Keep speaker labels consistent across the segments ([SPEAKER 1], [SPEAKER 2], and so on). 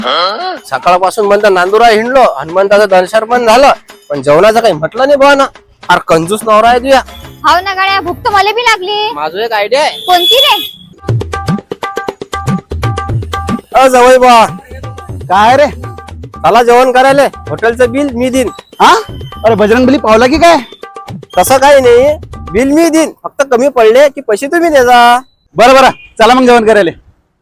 [SPEAKER 1] सकाळपासून म्हणता नांदुरा हिंडलो, हनुमंताचं दर्शन पण झालं, पण जेवणाचं काही म्हटलं नाही बुवा ना. फार कंजूस नवरा आहे तुया.
[SPEAKER 2] हाव ना गाड्या, भूक तर मला बी लागली.
[SPEAKER 1] माझं एक आयडिया आहे.
[SPEAKER 2] कोणती रे?
[SPEAKER 1] जवळ बुवा,
[SPEAKER 3] काय रे?
[SPEAKER 1] चला जेवण करायला. हॉटेलचं बिल मी देईन.
[SPEAKER 3] हा? अरे बजरंगबली पावला की काय?
[SPEAKER 1] तसं काही नाही, बिल मी देईन, फक्त कमी पडले की पैसे तुम्ही द्या.
[SPEAKER 3] बरं बरं, चला मग जेवण करायला.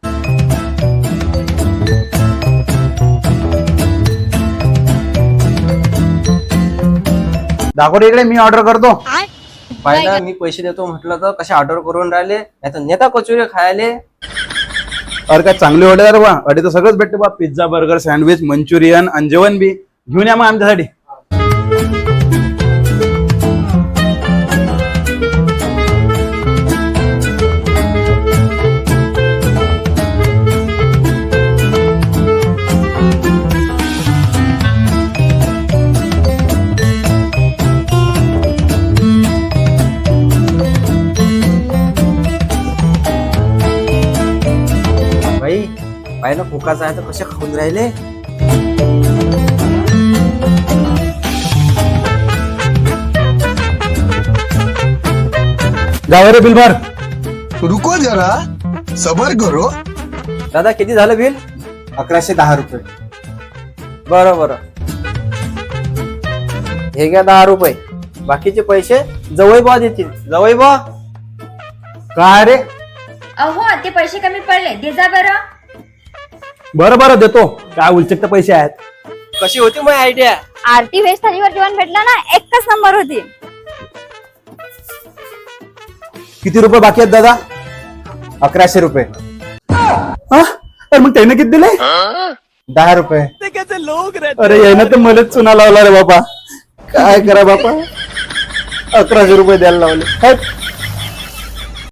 [SPEAKER 3] दाखव इकडे, मी ऑर्डर करतो.
[SPEAKER 1] पाहिला मी पैसे देतो म्हटलं तर कसे ऑर्डर करून राहिले, नाही तर नेता कचोरी खायले.
[SPEAKER 3] अरे काय चांगली ऑर्डर आहे बा. अरे तर सगळंच भेटते बा, पिझ्झा, बर्गर, सँडविच, मंचुरियन आणि जेवण बी. घेऊन या मग आमच्यासाठी.
[SPEAKER 1] भाई पाहिलं फुकाचं आहे तर कसे खाऊन राहिले.
[SPEAKER 3] जाऊ रे बिल भर.
[SPEAKER 4] रुको जरा सबर करो.
[SPEAKER 1] दादा किती झालं बिल?
[SPEAKER 5] 1110 रुपये.
[SPEAKER 1] बरं बरं, हे घ्या 10 रुपये. बाकीचे पैसे जवळ बा देतील. जवळ बा.
[SPEAKER 3] काय रे?
[SPEAKER 2] अहो ते पैसे कमी पडले, दे जा बरं.
[SPEAKER 3] बरं बरं देतो. काय उलचक पैसे आहेत.
[SPEAKER 1] कशी होती माझी आयडिया?
[SPEAKER 2] आरती व्हेज थालीवर जेवण भेटलं ना, एकच नंबर होती.
[SPEAKER 3] किती रुपये बाकी आहेत दादा?
[SPEAKER 5] 1100 रुपये.
[SPEAKER 3] हा? अरे मग त्याने किती दिले?
[SPEAKER 5] 10 रुपये.
[SPEAKER 3] अरे यानं तर मलाच चुना लावला रे बाबा. काय करा बापा, 1100 रुपये द्यायला लावले. हट.